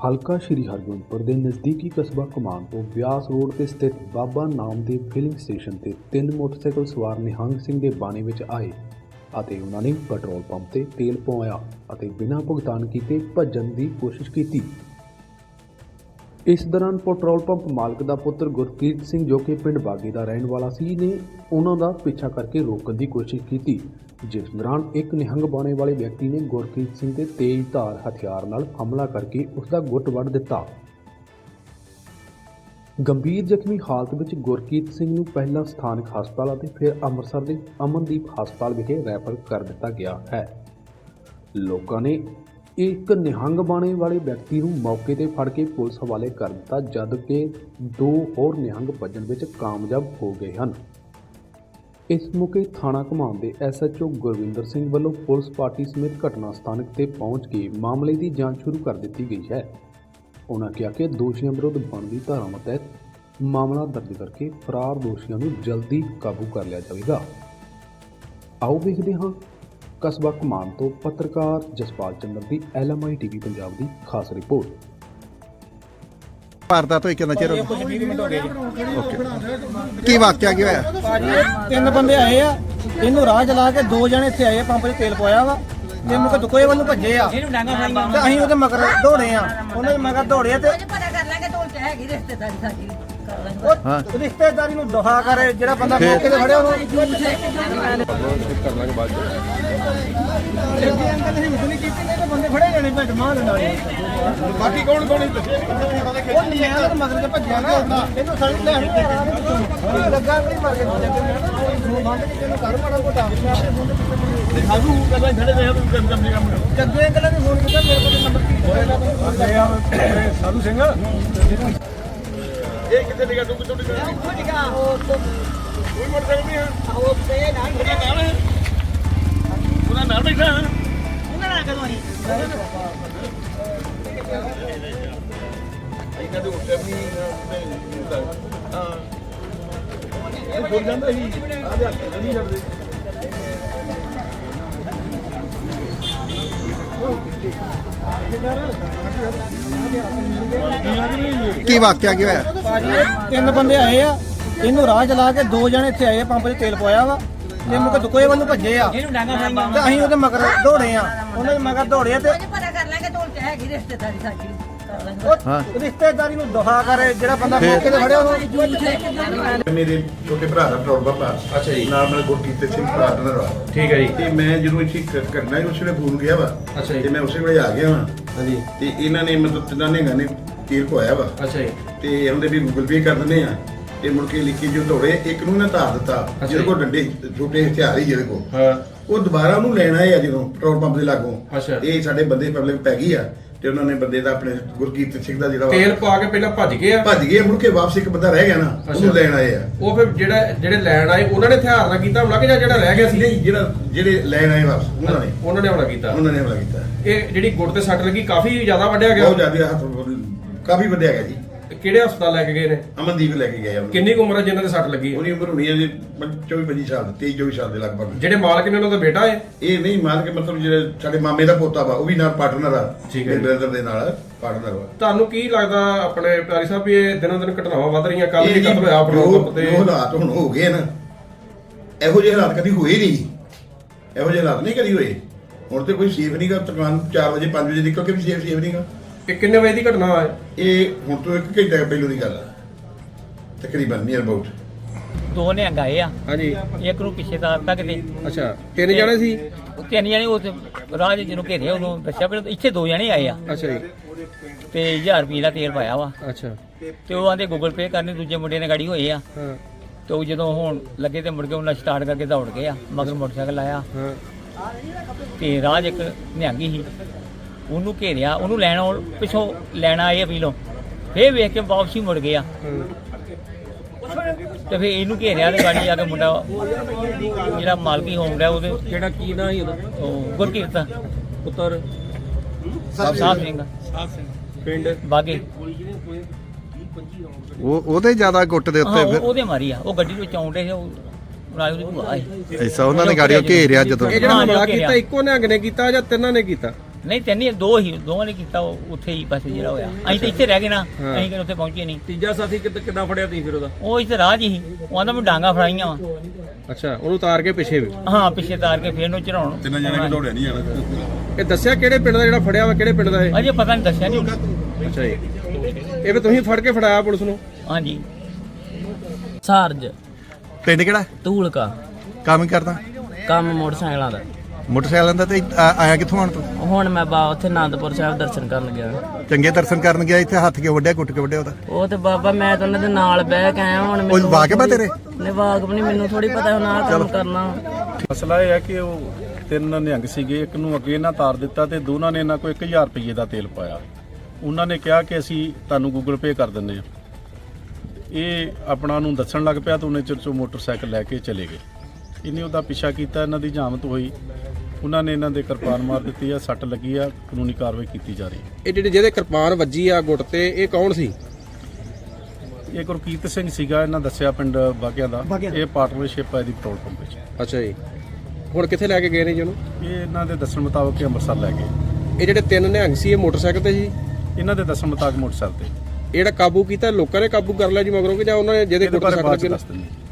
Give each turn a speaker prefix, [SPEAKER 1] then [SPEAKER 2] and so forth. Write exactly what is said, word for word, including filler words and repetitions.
[SPEAKER 1] ਹਲਕਾ ਸ਼੍ਰੀ ਹਰਗੋਬਿੰਦਪੁਰ ਦੇ ਨਜ਼ਦੀਕੀ ਕਸਬਾ ਕਮਾਨ ਤੋਂ ਬਿਆਸ ਰੋਡ ਤੇ ਸਥਿਤ ਬਾਬਾ ਨਾਮਦੇਵ ਫਿਲਿੰਗ ਸਟੇਸ਼ਨ ਤੇ ਤਿੰਨ ਮੋਟਰਸਾਈਕਲ ਸਵਾਰ ਨਿਹੰਗ ਸਿੰਘ ਦੇ ਬਾਣੇ ਵਿੱਚ ਆਏ ਅਤੇ ਉਹਨਾਂ ਨੇ ਪੈਟਰੋਲ ਪੰਪ ਤੇ ਤੇਲ ਪਵਾਇਆ ਅਤੇ ਬਿਨਾਂ ਭੁਗਤਾਨ ਕੀਤੇ ਭੱਜਣ ਦੀ ਕੋਸ਼ਿਸ਼ ਕੀਤੀ। ਇਸ ਦੌਰਾਨ ਪੈਟਰੋਲ ਪੰਪ ਮਾਲਕ ਦਾ ਪੁੱਤਰ ਗੁਰਕੀਰਤ ਸਿੰਘ ਜੋ ਕਿ ਪਿੰਡ ਬਾਗੀ ਦਾ ਰਹਿਣ ਵਾਲਾ ਸੀ ਨੇ ਉਹਨਾਂ ਦਾ ਪਿੱਛਾ ਕਰਕੇ ਰੋਕਣ ਦੀ ਕੋਸ਼ਿਸ਼ ਕੀਤੀ, ਜਿਸ ਦੌਰਾਨ ਇੱਕ ਨਿਹੰਗ ਬਾਣੇ ਵਾਲੇ ਵਿਅਕਤੀ ਨੇ ਗੁਰਕੀਰਤ ਸਿੰਘ ਤੇ ਤੇਜ਼ ਧਾਰ ਹਥਿਆਰ ਨਾਲ ਹਮਲਾ ਕਰਕੇ ਉਸ ਦਾ ਗੁੱਟ ਵੱਢ ਦਿੱਤਾ। ਗੰਭੀਰ ਜ਼ਖਮੀ ਹਾਲਤ ਵਿੱਚ ਗੁਰਕੀਰਤ ਸਿੰਘ ਨੂੰ ਪਹਿਲਾਂ ਸਥਾਨਕ ਹਸਪਤਾਲ ਅਤੇ ਫਿਰ ਅੰਮ੍ਰਿਤਸਰ ਦੇ ਅਮਨਦੀਪ ਹਸਪਤਾਲ ਵਿਖੇ ਰੈਫਰ ਕਰ ਦਿੱਤਾ ਗਿਆ ਹੈ। ਲੋਕਾਂ ਨੇ ਇੱਕ ਨਿਹੰਗ ਬਾਣੇ ਵਾਲੇ ਵਿਅਕਤੀ ਨੂੰ ਮੌਕੇ ਤੇ ਫੜ ਕੇ ਪੁਲਿਸ ਹਵਾਲੇ ਕਰ ਦਿੱਤਾ, ਜਦ ਕਿ ਦੋ ਹੋਰ ਨਿਹੰਗ ਭੱਜਣ ਵਿੱਚ ਕਾਮਯਾਬ ਹੋ ਗਏ ਹਨ। ਇਸ ਮੌਕੇ ਥਾਣਾ ਘਮਾਨ ਦੇ S H O Gurwinder Singh ਵੱਲੋਂ ਪੁਲਿਸ ਪਾਰਟੀ ਸਮੇਤ ਘਟਨਾ ਸਥਾਨਕ ਤੇ ਪਹੁੰਚ ਕੇ ਮਾਮਲੇ ਦੀ ਜਾਂਚ ਸ਼ੁਰੂ ਕਰ ਦਿੱਤੀ ਗਈ ਹੈ। ਉਹਨਾਂ ਕਿਹਾ ਕਿ ਦੋਸ਼ੀਆਂ ਵਿਰੁੱਧ ਬਣਦੀ ਧਾਰਾਵਾਂ ਤਹਿਤ ਮਾਮਲਾ ਦਰਜ ਕਰਕੇ ਫਰਾਰ ਦੋਸ਼ੀਆਂ ਨੂੰ ਜਲਦੀ ਕਾਬੂ ਕਰ ਲਿਆ ਜਾਵੇਗਾ। ਆਓ ਵੇਖਦੇ ਹਾਂ ਕਸਬਾ ਘਮਾਨ ਤੋਂ ਪੱਤਰਕਾਰ ਜਸਪਾਲ ਚੰਦਰ ਦੀ L M I T V Punjab ਦੀ ਖਾਸ ਰਿਪੋਰਟ।
[SPEAKER 2] ਵਾਰਦਾਤ ਹੋਈ ਕਿੰਨਾ ਚਿਰ ਹੋ
[SPEAKER 3] ਕੁਝ ਵੀਹ ਮਿੰਟ ਹੋ ਗਏ ਜੀ।
[SPEAKER 2] ਓਕੇ, ਕੀ ਵਾਕਿਆ ਕੀ ਹੋਇਆ?
[SPEAKER 3] ਭਾਜੀ ਤਿੰਨ ਬੰਦੇ ਆਏ ਆ, ਇਹਨੂੰ ਰਾਹ ਚਲਾ ਕੇ ਦੋ ਜਣੇ ਇੱਥੇ ਆਏ, ਪੰਪ 'ਚ ਤੇਲ ਪਵਾਇਆ ਵਾ ਤੇ ਮੁਕ ਦੁਕੋਏ ਵੱਲ ਨੂੰ ਭੱਜੇ ਆ ਤੇ ਅਸੀਂ ਉਹਦੇ ਮਗਰ ਦੌੜੇ ਆ। ਉਹਨਾਂ ਦੇ ਮਗਰ ਦੌੜੇ ਤੇ
[SPEAKER 4] ਪਤਾ ਕਰ ਲਾਂਗੇ ਢੋਲ ਚ ਹੈਗੀ ਰਿਸ਼ਤੇਦਾਰੀ ਸਾਡੀ ਕਰ ਲਾਂਗੇ।
[SPEAKER 3] ਉਹ ਰਿਸ਼ਤੇਦਾਰੀ ਨੂੰ ਦੁਹਾ ਕਰੇ ਜਿਹੜਾ ਬੰਦਾ ਮੌਕੇ ਤੇ ਫੜਿਆ ਉਹਨੂੰ
[SPEAKER 2] ਕਰ ਲਾਂਗੇ ਬਾਅਦ
[SPEAKER 3] ਜੱਗੀ ਅੰਕਲ ਨੇ ਹਿੰਮਤ ਨਹੀਂ ਕੀਤੀ, ਨਹੀਂ ਤਾਂ ਬੰਦੇ ਫੜੇ ਜਾਣੇ ਭੱਜ ਮਾਰ ਲੈਣਾ।
[SPEAKER 2] ਬਾਕੀ ਕੌਣ ਕੌਣ
[SPEAKER 3] ਉਹ ਨਹੀਂ ਆ ਤੇ ਮਗਰ ਤੇ ਭੱਜਿਆ ਨਾ, ਇਹਨੂੰ ਸੜ ਲੈਣ ਲੱਗਾ ਨਹੀਂ ਮਰ ਕੇ ਜੱਗੇ ਬੰਦ ਕੇ ਤੈਨੂੰ ਘਰ ਮਾੜਾ ਕੋਟਾ ਸਾਨੂੰ ਕਹਿੰਦਾ ਖੜੇ ਰਹੇ ਤੂੰ ਕੰਮ ਕੰਮ ਕੰਮ ਜੱਗੇ ਅੰਕਲ ਨੇ ਫੋਨ ਕੀਤਾ ਮੇਰੇ ਕੋਲ ਨੰਬਰ ਕੀ ਹੋਇਆ ਸਾਧੂ ਸਿੰਘ ਇਹ ਕਿੱਥੇ ਨਿਕਾ ਤੂੰ ਕਿੱਥੋਂ ਨਿਕਾ ਉਹ ਨਿਕਾ ਉਹ ਕੋਈ ਮੋਟਰਸਾਈਕਲ ਨਹੀਂ ਹੈ ਉਹ ਤੇ ਨਾਲ ਉਹਦਾ ਨਾਲ ਹੈ ਉਹਦਾ ਨਾਲ ਬੈਠਾ ਹੈ ਉਹਨਾਂ ਨਾਲ ਕਦੋਂ ਆਈ ਆਈ ਕਦੇ ਉੱਠਿਆ ਨਹੀਂ ਹਾਂ ਇਹ ਬੋਲ ਜਾਂਦਾ ਸੀ ਆ ਦੇ ਹੱਥ ਨਹੀਂ ਛੱਡਦੇ।
[SPEAKER 2] ਕੀ ਵਾਕਿਆ ਕੀ ਹੋਇਆ?
[SPEAKER 3] ਭਾਜੀ ਤਿੰਨ ਬੰਦੇ ਆਏ ਆ, ਇਹਨੂੰ ਰਾਹ ਚਲਾ ਕੇ ਦੋ ਜਣੇ ਇੱਥੇ ਆਏ, ਪੰਪ 'ਚ ਤੇਲ ਪਵਾਇਆ ਵਾ ਤੇ ਮੁਕ ਦੁਕੋਏ ਵੱਲ ਨੂੰ ਭੱਜੇ ਆ ਤੇ ਅਸੀਂ ਉਹਦੇ ਮਗਰ ਦੌੜੇ ਆ। ਉਹਨਾਂ ਦੇ ਮਗਰ ਦੌੜੇ ਤੇ
[SPEAKER 4] ਪਤਾ ਕਰ ਲਾਂਗੇ ਢੋਲ ਚ ਹੈਗੀ ਰਿਸ਼ਤੇਦਾਰੀ ਸਾਡੀ ਕਰ ਲਾਂਗੇ।
[SPEAKER 3] ਉਹ ਰਿਸ਼ਤੇਦਾਰੀ ਨੂੰ ਦੁਹਾ ਕਰੇ ਜਿਹੜਾ ਬੰਦਾ ਮੌਕੇ ਤੇ ਫੜਿਆ ਉਹਨੂੰ
[SPEAKER 5] ਮੇਰੇ ਛੋਟੇ ਭਰਾ ਦਾ ਪੈਟਰੋਲ ਪੰਪ ਆ।
[SPEAKER 6] ਅੱਛਾ ਜੀ।
[SPEAKER 5] ਨਾਲ ਨਾਲ ਗੁਰਕੀਰਤ ਸਿੰਘ ਪਾਰਟਨਰ ਆ।
[SPEAKER 6] ਠੀਕ ਹੈ ਜੀ।
[SPEAKER 5] ਤੇ ਮੈਂ ਜਦੋਂ ਇੱਥੇ ਕ- ਕਰਨਾ ਸੀ ਉਸੇ ਵੇਲੇ ਫੋਨ ਗਿਆ ਵਾ।
[SPEAKER 6] ਅੱਛਾ ਜੀ।
[SPEAKER 5] ਤੇ ਮੈਂ ਉਸੇ ਵੇਲੇ ਆ ਗਿਆ ਵਾ
[SPEAKER 6] ਹਾਂਜੀ।
[SPEAKER 5] ਤੇ ਇਹਨਾਂ ਨੇ ਮਤਲਬ ਤਿੰਨਾਂ ਨੇ ਗਾਣੇ ਤੀਰ ਪਵਾਇਆ ਵਾ
[SPEAKER 6] ਅੱਛਾ ਜੀ।
[SPEAKER 5] ਤੇ ਉਹਦੇ ਵੀ ਗੂਗਲ ਪੇ ਕਰ ਦਿੰਦੇ ਆ ਤੇ ਮੁੜ ਕੇ ਲਿਖੀ ਜੋ ਦੌੜੇ ਇੱਕ ਨੂੰ ਨਾ ਧਾਰ ਦਿੱਤਾ ਜਿਹਦੇ ਕੋਲ ਡੰਡੇ ਛੋਟੇ ਹਥਿਆਰ ਹੀ ਜਿਹਦੇ ਕੋਲ
[SPEAKER 6] ਹਾਂ।
[SPEAKER 5] ਉਹ ਦੁਬਾਰਾ ਉਹਨੂੰ ਲੈਣ ਆਏ ਆ ਜਦੋਂ ਪੈਟਰੋਲ ਪੰਪ ਦੇ ਲਾਗੋਂ।
[SPEAKER 6] ਅੱਛਾ।
[SPEAKER 5] ਇਹ ਸਾਡੇ ਬੰਦੇ ਪਬਲਿਕ ਪੈ ਗਈ ਆ ਤੇ ਉਹਨਾਂ ਨੇ ਬੰਦੇ ਦਾ ਆਪਣੇ ਗੁਰਕੀਰਤ ਸਿੰਘ ਦਾ ਜਿਹੜਾ ਵਾ
[SPEAKER 6] ਤੇਲ ਪਾ ਕੇ ਪਹਿਲਾਂ ਭੱਜ ਗਏ ਆ।
[SPEAKER 5] ਭੱਜ ਗਏ। ਮੁੜ ਕੇ ਵਾਪਸ ਇੱਕ ਬੰਦਾ ਰਹਿ ਗਿਆ ਨਾ, ਉਹਨੂੰ ਲੈਣ ਆਏ ਆ।
[SPEAKER 6] ਉਹ ਫਿਰ ਜਿਹੜਾ ਜਿਹੜੇ ਲੈਣ ਆਏ ਉਹਨਾਂ ਨੇ ਹਥਿਆਰ ਨਾਲ ਕੀਤਾ ਹਮਲਾ ਕਿ ਜਾਂ ਜਿਹੜਾ ਰਹਿ ਗਿਆ ਸੀ?
[SPEAKER 5] ਨਹੀਂ, ਜਿਹੜਾ ਜਿਹੜੇ ਲੈਣ ਆਏ ਵਾਪਸ ਉਹਨਾਂ ਨੇ
[SPEAKER 6] ਉਹਨਾਂ ਨੇ ਹਮਲਾ ਕੀਤਾ।
[SPEAKER 5] ਉਹਨਾਂ ਨੇ ਹਮਲਾ ਕੀਤਾ।
[SPEAKER 6] ਇਹ ਜਿਹੜੀ ਗੁੱਟ ਤੇ ਸੱਟ ਲੱਗੀ ਕਾਫੀ ਜ਼ਿਆਦਾ ਵੱਢਿਆ
[SPEAKER 5] ਬਹੁਤ
[SPEAKER 6] ਗਿਆ।
[SPEAKER 5] ਜ਼ਿਆਦਾ ਹੱਥ ਕਾਫੀ ਵੱਡਿਆ ਗਿਆ ਜੀ।
[SPEAKER 6] ਕਿਹੜੇ ਹਸਪਤਾਲ ਲੈ ਕੇ ਗਏ ਨੇ?
[SPEAKER 5] ਅਮਨਦੀਪ ਲੈ ਕੇ ਗਏ ਆ ਉਹਨੂੰ।
[SPEAKER 6] ਕਿੰਨੀ ਕੁ ਉਮਰ ਹੈ ਜਿਨ੍ਹਾਂ ਦੇ ਸੱਟ ਲੱਗੀ?
[SPEAKER 5] ਉਹਦੀ ਉਮਰ ਹੋਣੀ ਹੈ ਜੀ ਚੌਵੀ ਪੱਚੀ ਸਾਲ, ਤੇਈ ਚੌਵੀ ਸਾਲ ਦੇ ਲਗਭਗ।
[SPEAKER 6] ਜਿਹੜੇ ਮਾਲਕ ਨੇ ਉਹਨਾਂ ਦਾ ਬੇਟਾ ਹੈ?
[SPEAKER 5] ਇਹ ਨਹੀਂ ਮਾਰ ਕੇ ਮਤਲਬ ਜਿਹੜੇ ਸਾਡੇ ਮਾਮੇ ਦਾ ਪੋਤਾ ਵਾ ਉਹ ਵੀ ਨਾਲ ਪਾਰਟਨਰ ਆ।
[SPEAKER 6] ਠੀਕ ਹੈ ਜੀ।
[SPEAKER 5] ਬ੍ਰਦਰ ਦੇ ਨਾਲ ਪਾਰਟਨਰ ਵਾ।
[SPEAKER 6] ਤੁਹਾਨੂੰ ਕੀ ਲੱਗਦਾ ਆਪਣੇ ਪਿਆਰੀ ਸਾਹਿਬ ਵੀ ਇਹ ਦਿਨੋਂ ਦਿਨ ਘਟਨਾਵਾਂ ਵੱਧ ਰਹੀਆਂ? ਕੱਲ
[SPEAKER 5] ਇਹ
[SPEAKER 6] ਵੀ
[SPEAKER 5] ਜੀ
[SPEAKER 6] ਕਤਲ ਹੋਇਆ ਪੈਟਰੋਲ ਪੰਪ ਤੇ।
[SPEAKER 5] ਜੋ ਹਾਲਾਤ ਹੁਣ ਹੋ ਗਏ ਨਾ, ਇਹੋ ਜਿਹੇ ਹਾਲਾਤ ਕਦੀ ਹੋਏ ਨਹੀਂ। ਇਹੋ ਜਿਹੇ ਹਾਲਾਤ ਨਹੀਂ ਕਦੀ ਹੋਏ। ਹੁਣ ਤੇ ਕੋਈ ਸੇਫ ਨਹੀਂਗਾ। ਦੁਕਾਨ ਚਾਰ ਵਜੇ ਪੰਜ ਵਜੇ ਨਿਕਲ ਕੇ ਵੀ ਸੇਫ ਸੇਫ ਨਹੀਂਗਾ।
[SPEAKER 6] ਇਹ ਕਿੰਨੇ ਵਜੇ ਦੀ ਘਟਨਾ ਹੈ?
[SPEAKER 5] ਇਹ ਹੁਣ ਤੋਂ ਇੱਕ ਘੰਟਾ ਪਹਿਲੋਂ ਦੀ ਗੱਲ ਆ ਤਕਰੀਬਨ ਨੀਅਰ ਅਬਾਊਟ।
[SPEAKER 7] ਦੋ ਨੇ ਆਏ ਆ,
[SPEAKER 6] ਹਾਂਜੀ।
[SPEAKER 7] ਇੱਕ ਨੂੰ ਪਿੱਛੇ ਤਾਰ ਤੱਕ ਤੇ
[SPEAKER 6] ਅੱਛਾ, ਤਿੰਨ ਜਣੇ ਸੀ?
[SPEAKER 7] ਉਹ ਤਿੰਨ ਜਣੇ ਉਸ ਰਾਹ ਦੇ ਜਿਹਨੂੰ ਘੇਰਿਆ ਉਹਨੂੰ ਦੱਸਿਆ ਪਰ ਇੱਥੇ ਦੋ ਜਣੇ ਆਏ ਆ
[SPEAKER 6] ਅੱਛਾ ਜੀ।
[SPEAKER 7] ਤੇ ਹਜ਼ਾਰ ਰੁਪਏ ਦਾ ਤੇਲ ਪਾਇਆ ਵਾ
[SPEAKER 6] ਅੱਛਾ।
[SPEAKER 7] ਤੇ ਉਹ ਆਂਦੇ ਗੂਗਲ ਪੇ ਕਰਨੇ, ਦੂਜੇ ਮੁੰਡੇ ਨੇ ਗਾੜੀ ਹੋਏ ਆ।
[SPEAKER 6] ਹਾਂ
[SPEAKER 7] ਤੇ ਉਹ ਜਦੋਂ ਹੁਣ ਲੱਗੇ ਤੇ ਮੁੜ ਕੇ ਉਹਨਾਂ ਸਟਾਰਟ ਕਰਕੇ ਦੌੜ ਗਏ ਆ, ਮਗਰ ਮੋਟਰਸਾਈਕਲ ਆਇਆ
[SPEAKER 6] ਹਾਂ।
[SPEAKER 7] ਤੇ ਰਾਹ 'ਚ ਇੱਕ ਨਿਹੰਗੀ ਸੀ, ਉਹਨੂੰ ਘੇਰਿਆ, ਉਹਨੂੰ ਲੈਣ ਆਉਣ- ਪਿੱਛੋਂ ਲੈਣਾ ਆਏ ਅਪੀਲੋਂ, ਫੇਰ ਵੇਖ ਕੇ ਵਾਪਸੀ ਮੁੜ ਗਏ ਆ। ਤੇ ਫੇਰ ਇਹਨੂੰ ਘੇਰਿਆ ਤੇ ਗਾੜੀ ਆ ਕੇ ਮੁੰਡਾ ਜਿਹੜਾ ਮਾਲਕੀ ਹੋਮ ਰਿਹਾ ਉਹਦੇ
[SPEAKER 6] ਕਿਹੜਾ ਕੀ ਨਾਂ ਸੀ ਉਹਦਾ?
[SPEAKER 7] ਉਹ ਗੁਰਕੀਰਤ
[SPEAKER 6] ਪੁੱਤਰ
[SPEAKER 7] ਸਾਹਿਬ ਸਿੰਘ
[SPEAKER 6] ਪਿੰਡ
[SPEAKER 7] ਬਾਗੇ
[SPEAKER 2] ਉਹ ਉਹਦੇ ਜ਼ਿਆਦਾ ਗੁੱਟ ਦੇ
[SPEAKER 7] ਹਾਂ,
[SPEAKER 2] ਉੱਤੇ
[SPEAKER 7] ਉਹ-
[SPEAKER 2] ਫਿਰ
[SPEAKER 7] ਉਹਦੇ ਮਾਰੀ ਆ। ਉਹ ਗੱਡੀ ਵਿੱਚ ਆਉਂਦੇ ਸੀ, ਉਹ ਨਾਲ ਉਹਦੀ ਭੂਆ ਸੀ।
[SPEAKER 2] ਐਸਾ ਉਹਨਾਂ ਨੇ ਗਾੜੀਆਂ ਘੇਰਿਆ ਜਦੋਂ।
[SPEAKER 6] ਇਹ ਜਿਹੜਾ
[SPEAKER 7] ਹਾਂ,
[SPEAKER 6] ਹਮਲਾ
[SPEAKER 7] ਘੇਰਿਆ।
[SPEAKER 6] ਕੀਤਾ ਇੱਕੋ ਨਿਹੰਗ ਨੇ ਕੀਤਾ ਜਾਂ ਤਿੰਨਾਂ ਨੇ ਕੀਤਾ?
[SPEAKER 7] ਨਹੀਂ ਤਿੰਨ ਹੀ ਦੋ ਹੀ ਦੋਵਾਂ ਨੇ ਕੀਤਾ ਉਹ ਉੱਥੇ ਹੀ ਬਸ ਜਿਹੜਾ ਹੋਇਆ ਅਸੀਂ ਤਾਂ ਇੱਥੇ ਰਹਿ ਗਏ ਨਾ
[SPEAKER 6] ਹਾਂ।
[SPEAKER 7] ਅਸੀਂ ਕਿ ਉੱਥੇ ਪਹੁੰਚੇ ਨਹੀਂ
[SPEAKER 6] ਤੀਜਾ ਸਾਥੀ ਕਿੱਦ- ਕਿੱਦਾਂ ਫੜਿਆ ਤੁਸੀਂ ਫਿਰ ਉਹਦਾ?
[SPEAKER 7] ਉਹ ਇੱਥੇ ਰਾਹ 'ਚ ਹੀ ਉਹ ਆਂਦਾ ਮੈਂ ਡਾਂਗਾ ਫੜਾਈਆਂ ਵਾ
[SPEAKER 6] ਅੱਛਾ, ਉਹਨੂੰ ਉਤਾਰ ਕੇ ਪਿੱਛੇ ਵੀ।
[SPEAKER 7] ਹਾਂ ਪਿੱਛੇ ਤਾਰ ਕੇ ਫੇਰ ਨੂੰ ਚੜਾਉਣ
[SPEAKER 5] ਤਿੰਨ ਜਣੇ ਵੀ ਦੌੜਿਆ ਨਹੀਂ ਜਾਣਾ।
[SPEAKER 6] ਇਹ ਦੱਸਿਆ ਕਿਹੜੇ ਪਿੰਡ ਦਾ ਜਿਹੜਾ ਫੜਿਆ ਵਾ, ਕਿਹੜੇ ਪਿੰਡ ਦਾ ਇਹ?
[SPEAKER 7] ਅਜੇ ਪਤਾ ਨਹੀਂ ਦੱਸਿਆ ਨਹੀਂ
[SPEAKER 6] ਅੱਛਾ ਜੀ, ਇਹ ਵੀ ਤੁਸੀਂ ਫੜ ਕੇ ਫੜਾਇਆ ਪੁਲਿਸ ਨੂੰ?
[SPEAKER 7] ਹਾਂਜੀ
[SPEAKER 8] ਸਾਰਜ
[SPEAKER 2] ਪਿੰਡ ਕਿਹੜਾ?
[SPEAKER 8] ਧੂਲਕਾ
[SPEAKER 2] ਕੰਮ ਹੀ ਕਰਦਾ?
[SPEAKER 8] ਕੰਮ ਮੋਟਰਸਾਈਕਲਾਂ ਦਾ।
[SPEAKER 2] ਮੋਟਰਸਾਈਕਲਾਂ ਦਾ ਤੇ ਆ- ਆਇਆ ਕਿੱਥੋਂ ਆਣ ਤੂੰ?
[SPEAKER 8] ਹੁਣ ਮੈਂ ਬਾ ਉੱਥੇ ਆਨੰਦਪੁਰ ਸਾਹਿਬ ਦਰਸ਼ਨ ਕਰਨ ਗਿਆ।
[SPEAKER 2] ਚੰਗੇ ਦਰਸ਼ਨ ਕਰਨ ਗਿਆ, ਇੱਥੇ ਹੱਥ ਕਿਉਂ ਵੱਢਿਆ, ਕੁੱਟ ਕੇ ਵੱਢਿਆ ਉਹਦਾ?
[SPEAKER 8] ਉਹ ਤੇ ਬਾਬਾ ਮੈਂ ਤਾਂ ਉਹਨਾਂ ਦੇ ਨਾਲ ਬਹਿ ਕੇ ਆਇਆ। ਹੁਣ
[SPEAKER 2] ਉਹ ਵਾਕਿਬ ਆ ਤੇਰੇ?
[SPEAKER 8] ਨਹੀਂ ਵਾਕਬ ਨਹੀਂ, ਮੈਨੂੰ ਥੋੜੀ ਪਤਾ ਹੁਣ ਆਹ ਕੰਮ ਕਰਨਾ।
[SPEAKER 9] ਮਸਲਾ ਇਹ ਹੈ ਕਿ ਉਹ ਤਿੰਨ ਨਿਹੰਗ ਸੀਗੇ, ਇੱਕ ਨੂੰ ਅੱਗੇ ਇਹਨਾਂ ਤਾਰ ਦਿੱਤਾ ਤੇ ਦੋਨਾਂ ਨੇ ਇਹਨਾਂ ਕੋਲ ਇੱਕ ਹਜ਼ਾਰ ਰੁਪਏ ਦਾ ਤੇਲ ਪਾਇਆ। ਉਹਨਾਂ ਨੇ ਕਿਹਾ ਕਿ ਅਸੀਂ ਤੁਹਾਨੂੰ ਗੂਗਲ ਪੇ ਕਰ ਦਿੰਦੇ ਹਾਂ। ਇਹ ਆਪਣਾ ਨੂੰ ਦੱਸਣ ਲੱਗ ਪਿਆ ਤਾਂ ਉਹਨੇ ਚਿਰ 'ਚੋਂ ਮੋਟਰਸਾਈਕਲ ਲੈ ਕੇ ਚਲੇ ਗਏ। ਇਹਨੇ ਉਹਦਾ ਪਿੱਛਾ ਕੀਤਾ, ਇਹਨਾਂ ਦੀ ਜਾਮਤ ਹੋਈ, ਉਹਨਾਂ ਨੇ ਇਹਨਾਂ ਦੇ ਕਿਰਪਾਨ ਮਾਰ ਦਿੱਤੀ ਆ, ਸੱਟ ਲੱਗੀ ਆ, ਕਾਨੂੰਨੀ ਕਾਰਵਾਈ ਕੀਤੀ ਜਾ ਰਹੀ ਹੈ।
[SPEAKER 6] ਇਹ ਜਿਹੜੇ ਜਿਹਦੇ ਕਿਰਪਾਨ ਵੱਜੀ ਆ ਗੁੱਟ ਤੇ, ਇਹ ਕੌਣ ਸੀ?
[SPEAKER 9] ਇਹ ਗੁਰਕੀਰਤ ਸਿੰਘ ਸੀਗਾ, ਇਹਨਾਂ ਦੱਸਿਆ ਪਿੰਡ ਬਾਗਿਆਂ ਦਾ। ਇਹ ਪਾਰਟਨਰਸ਼ਿਪ ਹੈ ਇਹਦੀ ਪੈਟਰੋਲ ਪੰਪ ਵਿੱਚ।
[SPEAKER 6] ਅੱਛਾ ਜੀ, ਹੁਣ ਕਿੱਥੇ ਲੈ ਕੇ ਗਏ ਨੇ ਜੀ ਉਹਨੂੰ?
[SPEAKER 9] ਇਹ ਇਹਨਾਂ ਦੇ ਦੱਸਣ ਮੁਤਾਬਕ ਇਹ ਅੰਮ੍ਰਿਤਸਰ ਲੈ ਗਏ।
[SPEAKER 6] ਇਹ ਜਿਹੜੇ ਤਿੰਨ ਨਿਹੰਗ ਸੀ, ਇਹ ਮੋਟਰਸਾਈਕਲ ਤੇ ਸੀ?
[SPEAKER 9] ਇਹਨਾਂ ਦੇ ਦੱਸਣ ਮੁਤਾਬਕ ਮੋਟਰਸਾਈਕਲ ਤੇ।
[SPEAKER 6] ਇਹ ਜਿਹੜਾ ਕਾਬੂ ਕੀਤਾ, ਲੋਕਾਂ ਨੇ ਕਾਬੂ ਕਰ ਲਿਆ ਜੀ ਮਗਰੋਂ ਕਿ ਜਾਂ ਉਹਨਾਂ ਨੇ ਜਿਹਦੇ
[SPEAKER 9] ਇਹਦੇ
[SPEAKER 6] ਗੁੱਟ
[SPEAKER 9] ਬਾਰੇ
[SPEAKER 6] ਸੱਟ
[SPEAKER 9] ਬਾਅਦ 'ਚ
[SPEAKER 6] ਲੱਗੇ ਨੇ?
[SPEAKER 9] ਦੱਸ ਦਿੰਦੇ।